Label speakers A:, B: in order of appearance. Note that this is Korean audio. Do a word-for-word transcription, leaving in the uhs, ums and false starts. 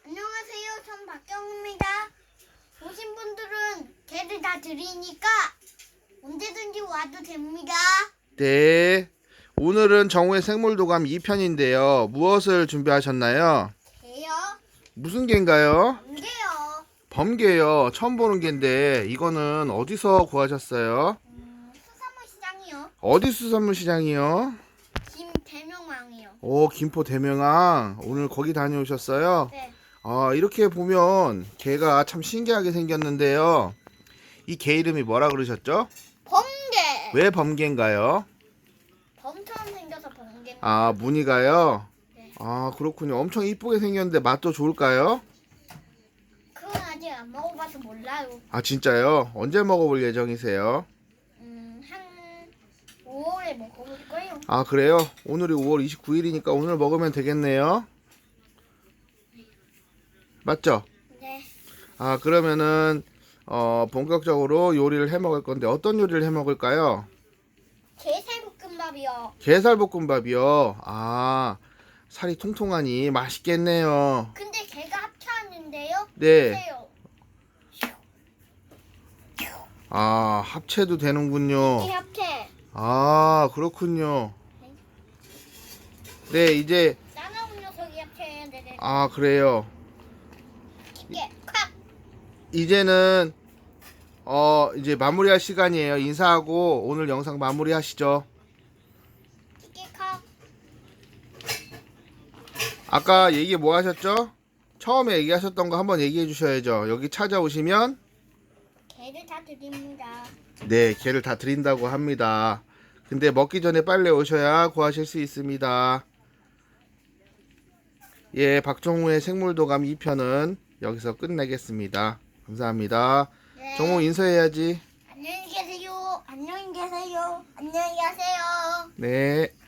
A: 안녕하세요. 전 박경입니다. 오신 분들은 개를 다 드리니까 언제든지 와도 됩니다.
B: 네. 오늘은 정우의 생물도감 이 편인데요. 무엇을 준비하셨나요?
A: 개요?
B: 무슨 개인가요?
A: 안 개요.
B: 범개요. 처음 보는 개인데 이거는 어디서 구하셨어요?
A: 음, 수산물 시장이요.
B: 어디 수산물 시장이요?
A: 김대명왕이요.
B: 오, 김포 대명항. 오늘 거기 다녀오셨어요?
A: 네.
B: 아, 이렇게 보면 개가 참 신기하게 생겼는데요. 이 개 이름이 뭐라 그러셨죠?
A: 범개.
B: 왜 범개인가요?
A: 범처럼 생겨서 범개입니다.
B: 아, 무늬가요?
A: 네.
B: 아, 그렇군요. 엄청 이쁘게 생겼는데 맛도 좋을까요?
A: 그건 아직 안 먹어봐서 몰라요.
B: 아, 진짜요? 언제 먹어볼 예정이세요?
A: 음, 한 오월에 먹어볼 거예요.
B: 아, 그래요? 오늘이 오월 이십구일이니까 오늘 먹으면 되겠네요. 맞죠?
A: 네.
B: 아, 그러면은 어, 본격적으로 요리를 해 먹을 건데 어떤 요리를 해 먹을까요?
A: 게살볶음밥이요.
B: 게살볶음밥이요. 아, 살이 통통하니 맛있겠네요.
A: 근데 개가 합쳐왔는데요.
B: 네.
A: 보세요.
B: 아, 합체도 되는군요.
A: 이 합체.
B: 아, 그렇군요. 네, 이제
A: 따가운 녀석이 합체해야 되네.
B: 아, 그래요.
A: 이게 콱.
B: 이제는 어, 이제 마무리할 시간이에요. 인사하고 오늘 영상 마무리하시죠.
A: 이게 콱.
B: 아까 얘기 뭐 하셨죠? 처음에 얘기하셨던 거 한번 얘기해 주셔야죠. 여기 찾아오시면
A: 개를 다 드립니다.
B: 네, 개를 다 드린다고 합니다. 근데 먹기 전에 빨리 오셔야 구하실 수 있습니다. 예, 박정우의 생물도감 이 편은 여기서 끝내겠습니다. 감사합니다.
A: 네.
B: 정우 인사해야지.
A: 안녕히 계세요. 안녕히 계세요. 안녕히 가세요.
B: 네.